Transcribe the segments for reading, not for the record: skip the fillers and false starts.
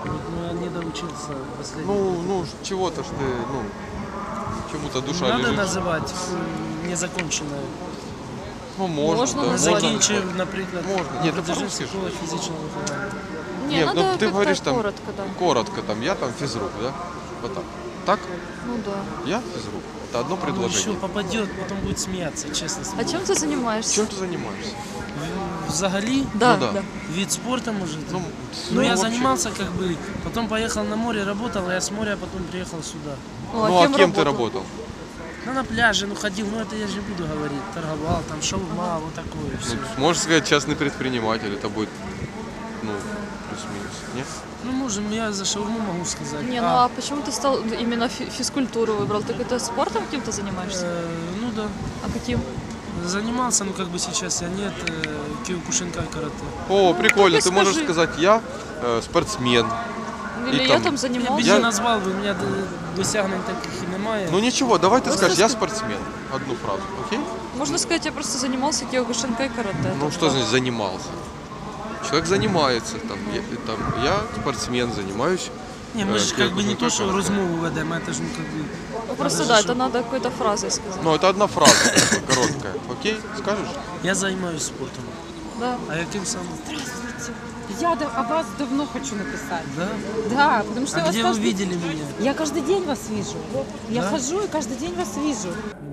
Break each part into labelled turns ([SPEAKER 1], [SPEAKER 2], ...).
[SPEAKER 1] Ну, я не доучился последний.
[SPEAKER 2] Ну, чего-то ж ты, ну, чему-то душа
[SPEAKER 1] Надо
[SPEAKER 2] лежит.
[SPEAKER 1] называть незаконченное.
[SPEAKER 2] Ну, можно, да.
[SPEAKER 1] Закінчив, наприклад,
[SPEAKER 2] Можно. Нет, ты
[SPEAKER 1] продовжив
[SPEAKER 2] по-русски ж.
[SPEAKER 1] школу фізичного виховання.
[SPEAKER 3] Не,
[SPEAKER 2] Нет,
[SPEAKER 3] надо
[SPEAKER 2] ну ты
[SPEAKER 3] как-то
[SPEAKER 2] говоришь там
[SPEAKER 3] коротко, да.
[SPEAKER 2] коротко, там, я там физрук, да? Вот так. Так?
[SPEAKER 3] Ну да.
[SPEAKER 2] Я физрук. Это одно
[SPEAKER 1] Ну, еще
[SPEAKER 2] предложение.
[SPEAKER 1] попадет, потом будет смеяться, честно.
[SPEAKER 3] А чем ты занимаешься?
[SPEAKER 2] Чем ты занимаешься?
[SPEAKER 1] Взагалі,
[SPEAKER 3] Да,
[SPEAKER 2] Ну да.
[SPEAKER 3] да.
[SPEAKER 1] вид спорта, может?
[SPEAKER 2] Ну,
[SPEAKER 1] я
[SPEAKER 2] вообще.
[SPEAKER 1] занимался как бы, потом поехал на море, работал, а я с моря потом приехал сюда.
[SPEAKER 3] Ну, а
[SPEAKER 2] Ну, а
[SPEAKER 3] кем
[SPEAKER 2] кем ты
[SPEAKER 3] работал?
[SPEAKER 2] работал?
[SPEAKER 1] Ну, на пляже, ну, ходил, ну, это я же не буду говорить. Торговал, там, шаурма, вот такое все.
[SPEAKER 2] Ну, можешь сказать, частный предприниматель, это будет, ну, плюс-минус, нет?
[SPEAKER 1] Ну, можем, я за шаурму могу сказать.
[SPEAKER 3] Не, ну а почему ты стал именно физкультуру выбрал? Ты какой-то спортом каким-то занимаешься?
[SPEAKER 1] Ну, да.
[SPEAKER 3] А каким?
[SPEAKER 1] Занимался, но как бы сейчас я нет, киокушинкай карате.
[SPEAKER 2] О, прикольно,
[SPEAKER 3] так и
[SPEAKER 2] ты можешь
[SPEAKER 3] скажи.
[SPEAKER 2] сказать, я спортсмен.
[SPEAKER 3] Или
[SPEAKER 2] И
[SPEAKER 3] я
[SPEAKER 2] там-
[SPEAKER 3] там
[SPEAKER 1] Я б
[SPEAKER 3] занимался?
[SPEAKER 1] не назвав би, у мене досягнень таких і немає.
[SPEAKER 2] Ну ничего, давай ты
[SPEAKER 3] Просто
[SPEAKER 2] скажешь, я
[SPEAKER 3] ска-
[SPEAKER 2] спортсмен. Одну фразу, окей?
[SPEAKER 3] Можно сказать, я просто занимался киокушинкай карате.
[SPEAKER 2] Ну что значит занимался? Человек занимается, я спортсмен, занимаюсь.
[SPEAKER 1] Ні, ми ж как бы не то, що
[SPEAKER 2] Киокушинкай
[SPEAKER 1] розмову ведемо, це ж ну как бы...
[SPEAKER 3] Ну, просто
[SPEAKER 1] Даже
[SPEAKER 3] да,
[SPEAKER 1] что-
[SPEAKER 3] это надо какой-то фразой сказать.
[SPEAKER 2] Ну это одна фраза, такая, короткая, окей? Скажешь?
[SPEAKER 1] Я займаюся спортом.
[SPEAKER 3] Да.
[SPEAKER 1] А яким саме?
[SPEAKER 4] Я о вас давно хочу написать.
[SPEAKER 1] Да?
[SPEAKER 4] Да, потому что
[SPEAKER 1] А
[SPEAKER 4] я вас
[SPEAKER 1] где вы
[SPEAKER 4] каждый...
[SPEAKER 1] видели меня?
[SPEAKER 4] Я каждый день вас вижу. Я
[SPEAKER 1] Да?
[SPEAKER 4] хожу и каждый день вас вижу.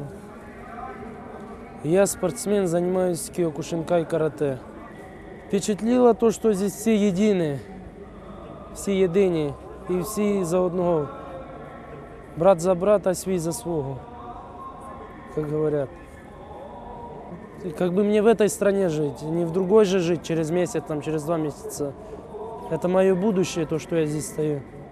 [SPEAKER 1] Я спортсмен, занимаюсь киокушинкай карате. Впечатлило то, что здесь все едины, всі єдині і всі за одного. Брат за брата, свій за свого, как говорят. И как бы мне в этой стране жить, не в другой же жить через месяц, там, через 2 месяца. Это мое будущее, то, что я здесь стою.